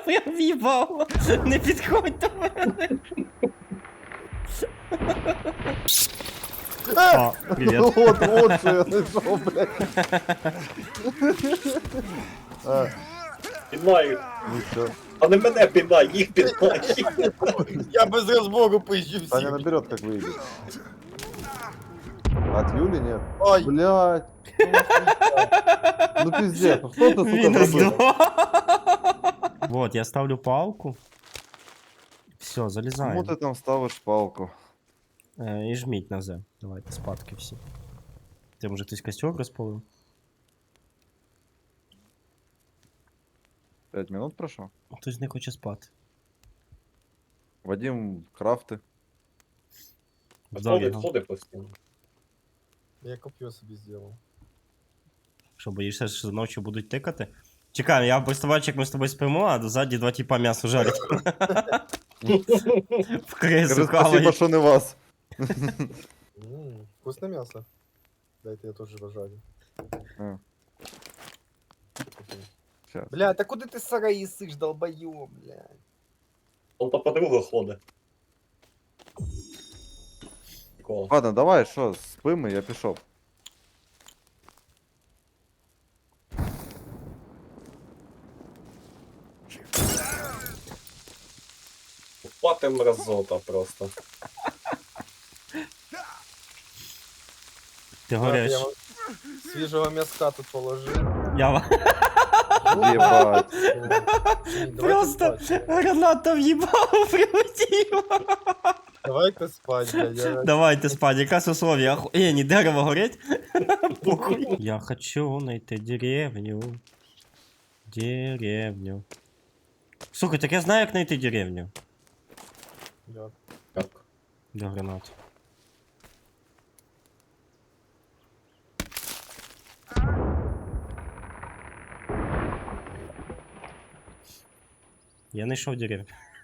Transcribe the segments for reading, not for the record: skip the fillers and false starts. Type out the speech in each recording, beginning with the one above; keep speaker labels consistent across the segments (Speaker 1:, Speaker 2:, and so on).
Speaker 1: Я в'їбав. Не підходь до мене. О, привіт.
Speaker 2: Вот що я знайшов, блядь.
Speaker 3: Піднай,
Speaker 2: Ну все.
Speaker 3: а не мене піднай, їх піднай.
Speaker 4: Я без разбору поищу
Speaker 2: Таня
Speaker 4: всех.
Speaker 2: наберет, как выйдет. От Юли нет?
Speaker 4: Ой.
Speaker 2: Блядь. Ну пиздец, ну что ты, сука,
Speaker 1: Мінус
Speaker 2: забыл?
Speaker 1: 2. Вот, я ставлю палку. Все,
Speaker 2: Кому
Speaker 1: залізаємо.
Speaker 2: ты там ставишь палку?
Speaker 1: І жміть на З. Давайте, спадки всі. Ти, може, хтось костер розпалив?
Speaker 2: 5 минут прошло?
Speaker 1: Хтось не хоче спати.
Speaker 2: Вадим, крафты.
Speaker 3: Ходить,
Speaker 1: Дорого.
Speaker 3: ходить постійно.
Speaker 4: Я копье себе сделал.
Speaker 1: Що, боїшся, що ночі будуть тикати? Чекай, я представляю, як ми з тобою спимо, а ззаді два тіпа м'ясо жарять. В крису
Speaker 2: Скажи спасибо,
Speaker 1: хавають.
Speaker 2: что не вас.
Speaker 4: Вкусное мясо. Дайте я тоже пожарю.
Speaker 2: А, щас.
Speaker 4: Бля, так куда ты сараи сышь, долбоёб, бля.
Speaker 3: Он по подругу ходить. Прикол.
Speaker 2: Ладно, давай, что, спим, и я пішов.
Speaker 3: Пати мразота просто.
Speaker 1: Ти
Speaker 4: Так,
Speaker 1: гореш.
Speaker 4: я вам свежего мяска тут положил.
Speaker 1: Я
Speaker 2: Ебать.
Speaker 1: просто граната в'їбав, прилетів.
Speaker 4: Давай-ка спать, бля.
Speaker 1: Давайте спать, якраз условия. Ні, дерево горить. Похуй. Я хочу найти деревню. Деревню. Слухай, так я знаю, як знайти деревню.
Speaker 4: Я...
Speaker 3: Як?
Speaker 1: Для гранат. Я знайшов деревню.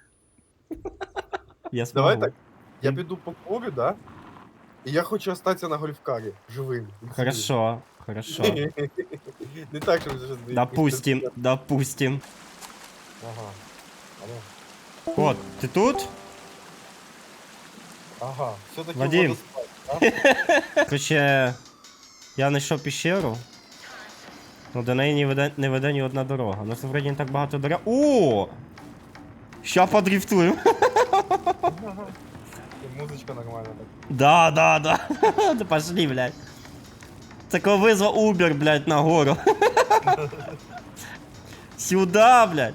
Speaker 1: Я смогу.
Speaker 4: Давай так, я піду по полю, да? І я хочу остатися на гольфкарі, живим.
Speaker 1: Хорошо, хорошо.
Speaker 4: Не так, щоб зараз...
Speaker 1: Допустим, допустим.
Speaker 4: Ага. Алло.
Speaker 1: От, ти тут?
Speaker 4: Ага, все-таки
Speaker 1: Вадим.
Speaker 4: воду спать,
Speaker 1: Короче, я знайшов пещеру. Ну, до неї не веде ні одна дорога. У нас вроді не так багато дорог. О! Ща подрифтуємо.
Speaker 4: да? Музычка нормальная так.
Speaker 1: Да, да, да. Да пошли, блядь. Такой вызвал Uber, блядь, на гору. Сюда, блядь.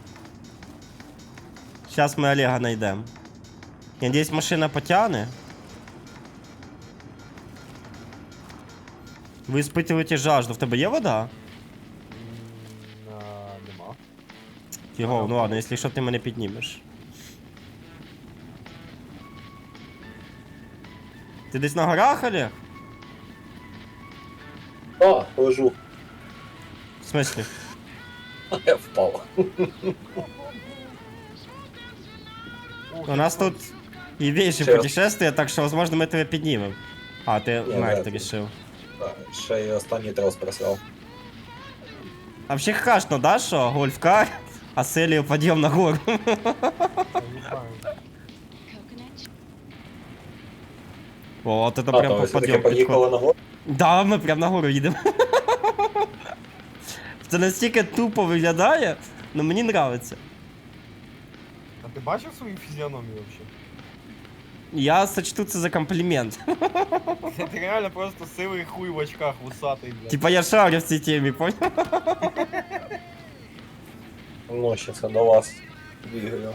Speaker 1: Сейчас мы Олега найдем. Я надеюсь, машина потягне. Ви испытываете жажду. В тебе є вода?
Speaker 4: Нема.
Speaker 1: Фіго, ну ладно, якщо що, ти мене піднімеш. Ти десь на горах, Олег?
Speaker 3: А, лежу.
Speaker 1: В смислі?
Speaker 3: Я впав.
Speaker 1: У нас тут і більше
Speaker 3: Ще-
Speaker 1: путешествия, так що, возможно, ми тебе піднімемо. А, ти
Speaker 3: Ні,
Speaker 1: вмерти
Speaker 3: вряд ли.
Speaker 1: рішив.
Speaker 3: Ще й останній трос просрав.
Speaker 1: А вообще хашно, да, що гольфкар, а селію підйом на гору.
Speaker 4: Я не знаю.
Speaker 1: О, от це
Speaker 3: А,
Speaker 1: прям
Speaker 3: то ви
Speaker 1: по
Speaker 3: все-таки
Speaker 1: підйом підходить.
Speaker 3: поїхали на гору?
Speaker 1: Да, ми прям на гору їдемо. Це настільки тупо виглядає, але мені нравиться.
Speaker 4: А ти бачив свою фізіономію вообще?
Speaker 1: Я сочту це за комплімент.
Speaker 4: Ти реально просто сивий хуй в очках, вусатий, блядь.
Speaker 1: Типа я шарю в цій темі, понял?
Speaker 3: Ночі це до вас бігаю.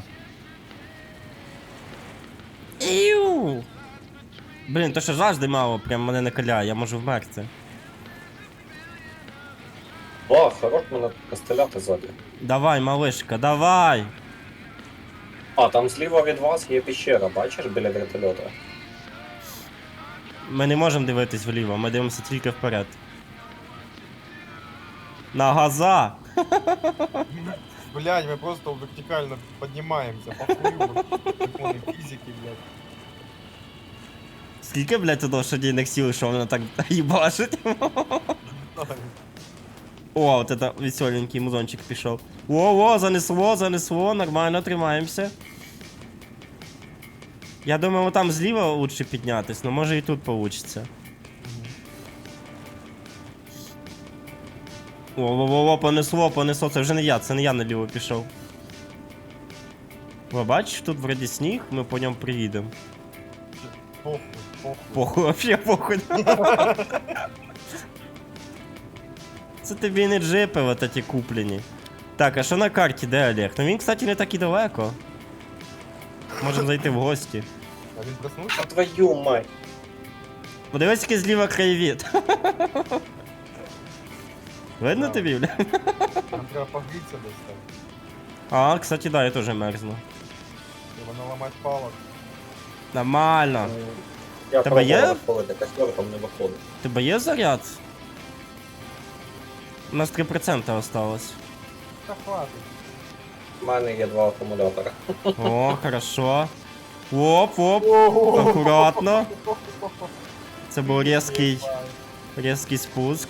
Speaker 1: Іу! Блін, то що жажди мало, прям мене накаляє, я можу вмерти.
Speaker 3: О, хорош мене постріляти ззаді.
Speaker 1: Давай, малишка, давай!
Speaker 3: А, там зліва від вас є пещера, бачиш, біля вертольота?
Speaker 1: Ми не можемо дивитись вліво, ми дивимося тільки вперед. На газа!
Speaker 4: Блядь, мы просто вертикально поднимаемся по хую, законы физики, блядь.
Speaker 1: Скільки, блядь, у лошадейних сил, що воно так їбашить? О, от это веселенький музончик пішов. О, занесло, нормально, тримаємося. Я думаю, там зліва лучше піднятись, но може і тут получиться. О, понесло, це вже не я, наліво пішов. Ви бачиш, тут вроді сніг, ми по ньому приїдемо.
Speaker 4: Похуй.
Speaker 1: Похуй, вообще похуй. Це тобі не джипи вот ті куплені. Так, а що на карті, де Олег? Ну він, кстати, не так і далеко. Можемо зайти в гості.
Speaker 4: А він проснувся?
Speaker 3: А твою мать.
Speaker 1: Подивись, який зліва краєвід. Видно
Speaker 4: Да.
Speaker 1: тобі, бля?
Speaker 4: Нам треба погрітися десь там.
Speaker 1: А, кстати, да, я теж мерзну.
Speaker 4: Треба наламати палок.
Speaker 1: Нормально.
Speaker 3: Я
Speaker 1: Тебе є?
Speaker 3: пробував виходити, костер там не виходить.
Speaker 1: Тебе є заряд? У нас 3% осталось.
Speaker 4: Та хватить.
Speaker 3: У мене є 2 акумулятора.
Speaker 1: О, хорошо. Оп, акуратно. Це був різкий спуск.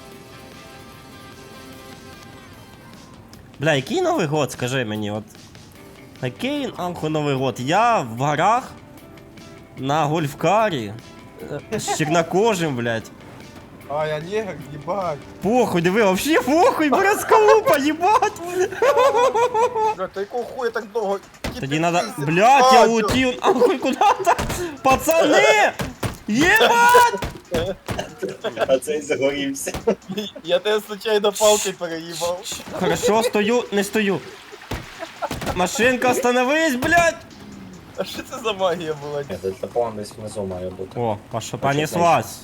Speaker 1: Бля, який Новий год, скажи мені, от. Який нахуй Новий год? Я в горах на гольфкарі з чорнокожим, блядь.
Speaker 4: А, я негр, їбать.
Speaker 1: Похуй, диви, вообще похуй, братскалупа, їбать!
Speaker 4: Блядь, та якого хуя так довго?
Speaker 1: Тоді надо... Блядь, я улетів, нахуй куда-то! Пацани! Єбать!
Speaker 3: А цей загорівся.
Speaker 4: Я тебе случайно палкой переїбав.
Speaker 1: Хорошо, стою, не стою. Машинка, остановись, блядь!
Speaker 4: А що це за магія була?
Speaker 3: Ні, дельтаплан десь внизу має бути.
Speaker 1: О, понеслась.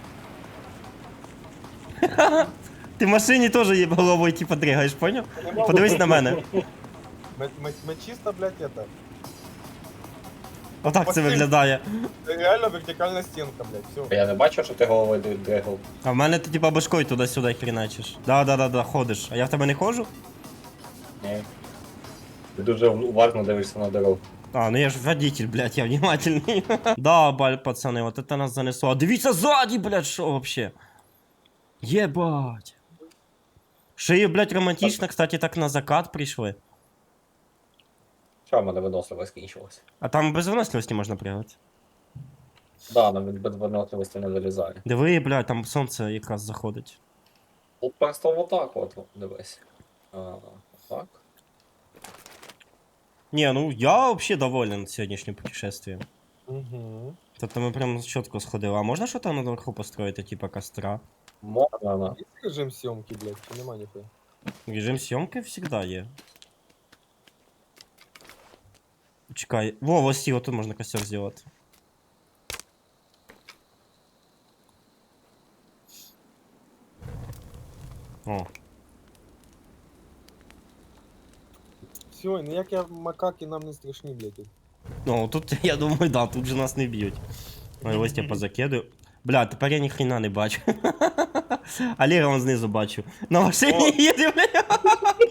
Speaker 1: Ти в машині теж є головою типа дригаєш, поняв? Подивись на мене.
Speaker 4: Ми чисто, блядь, это.
Speaker 1: Отак це виглядає.
Speaker 4: Це реально вертикальна стінка, блядь, все.
Speaker 3: Я не бачив, що ти головою дригав.
Speaker 1: А в мене ти типа башкою туди-сюди хріначиш. Да, ходиш. А я в тебе не ходжу?
Speaker 3: Ні. Ти дуже уважно дивишся на дорогу.
Speaker 1: А, ну я ж водитель, блядь, я внимательный. Да, пацаны, вот это нас занесло. А дивіться ззаді, блядь, що вообще? Єбать. Шиї, блядь, романтично, кстати, так на закат прийшли.
Speaker 3: Що в мене виносливо скінчилося?
Speaker 1: А там без виносливості можна пригати.
Speaker 3: Да, нам від виносливості не вилізає.
Speaker 1: Диви, блядь, там сонце якраз заходить.
Speaker 3: От просто отак от, дивись. Так.
Speaker 1: Не, ну я вообще доволен сьогоднішнім путешествием.
Speaker 4: Угу.
Speaker 1: Тобто ми прям чітко сходили. А можна що там наверху построїти, типа костра?
Speaker 3: Можна, на.
Speaker 4: Є режим зйомки, блядь, чи нема ніхуя?
Speaker 1: Режим съемки всегда є. Чекай. Во, ось ці, тут можна костер зробити. О.
Speaker 4: Все, ніякі макаки нам не страшні, блядь.
Speaker 1: Ну, тут, я думаю, да, тут же нас не б'ють. Ой, ось я позакидаю. Бля, тепер я ніхрена не бачу. Олега вон знизу бачу. На машині їде, бля.